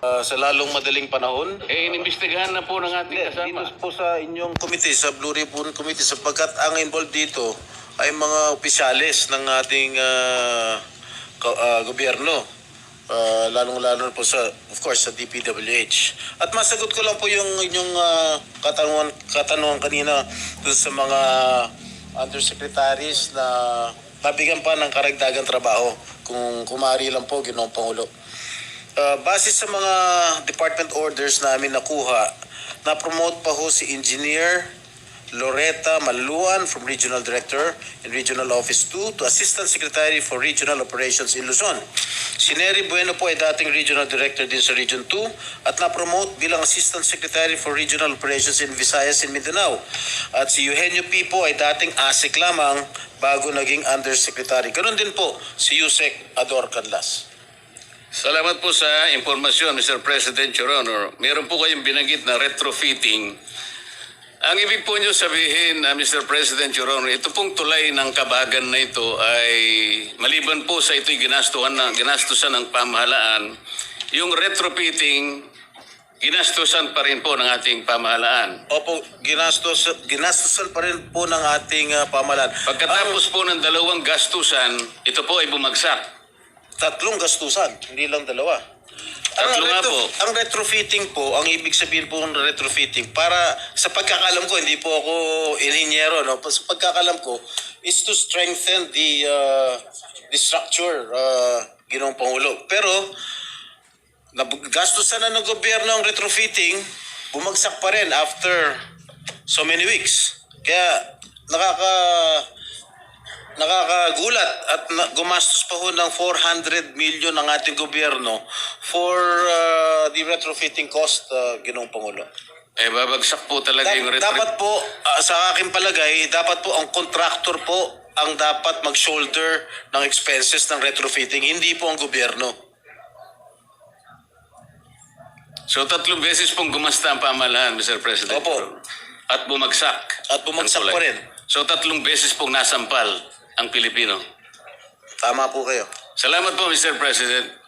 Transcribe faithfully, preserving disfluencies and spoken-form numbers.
uh, sa lalong madaling panahon. Eh, inimbestigahan na po ng ating Hindi, kasama. dito po sa inyong committee, sa Blue Ribbon Committee, sapagkat ang involved dito ay mga opisyalis ng ating uh, ka- uh, gobyerno. Uh, lalong-lalo po sa, of course, sa D P W H. At masagot ko lang po yung inyong uh, katanungan, katanungan kanina dun sa mga undersecretaries na nabigyan pa ng karagdagang trabaho kung kumari lang po, Ginoong Pangulo. Uh, base sa mga department orders namin nakuha, na-promote pa ho si Engineer Loretta Maluan from Regional Director in Regional Office two to Assistant Secretary for Regional Operations in Luzon. Si Nery Bueno po ay dating Regional Director din sa Region two at na-promote bilang Assistant Secretary for Regional Operations in Visayas and Mindanao. At si Eugenio P. po ay dating A S E C lamang bago naging Undersecretary. Ganon din po si Yusek Ador Canlas. Salamat po sa impormasyon, Mister President, Your Honor. Meron po kayong binanggit na retrofitting. Ang ibig po nyo sabihin, uh, Mister President, Your Honor, ito pong tulay ng Kabagan na ito ay maliban po sa ito'y ginastuhan na, ginastusan ng pamahalaan, yung retrofitting, ginastusan pa rin po ng ating pamahalaan. Opo, ginastos, ginastusan pa rin po ng ating uh, pamahalaan. Pagkatapos po ng dalawang gastusan, ito po ay bumagsak. Tatlong gastusan, hindi lang dalawa. Ang, Tatlo nga retro, po. ang retrofitting po, ang ibig sabihin po ng retrofitting, para sa pagkakalam ko, hindi po ako inhinyero, no? Sa pagkakalam ko, is to strengthen the, uh, the structure, uh, Ginoong Pangulo. Pero, gastusan na ng gobyerno ang retrofitting, bumagsak pa rin after so many weeks. Kaya, nakaka... Nakakagulat at na, gumastos pa ho ng four hundred million ang ating gobyerno for uh, the retrofitting cost, uh, Ginoong Pangulo. Eh, babagsak po talaga Da- yung retro... dapat po, uh, sa aking palagay, dapat po ang contractor po ang dapat mag-shoulder ng expenses ng retrofitting, hindi po ang gobyerno. So, tatlong beses pong gumasta ang pamahalaan, Mister President. Opo. At bumagsak. At bumagsak ang pa tulay. rin. So, tatlong beses pong nasampal ang Pilipino. Tama po kayo. Salamat po, Mister President.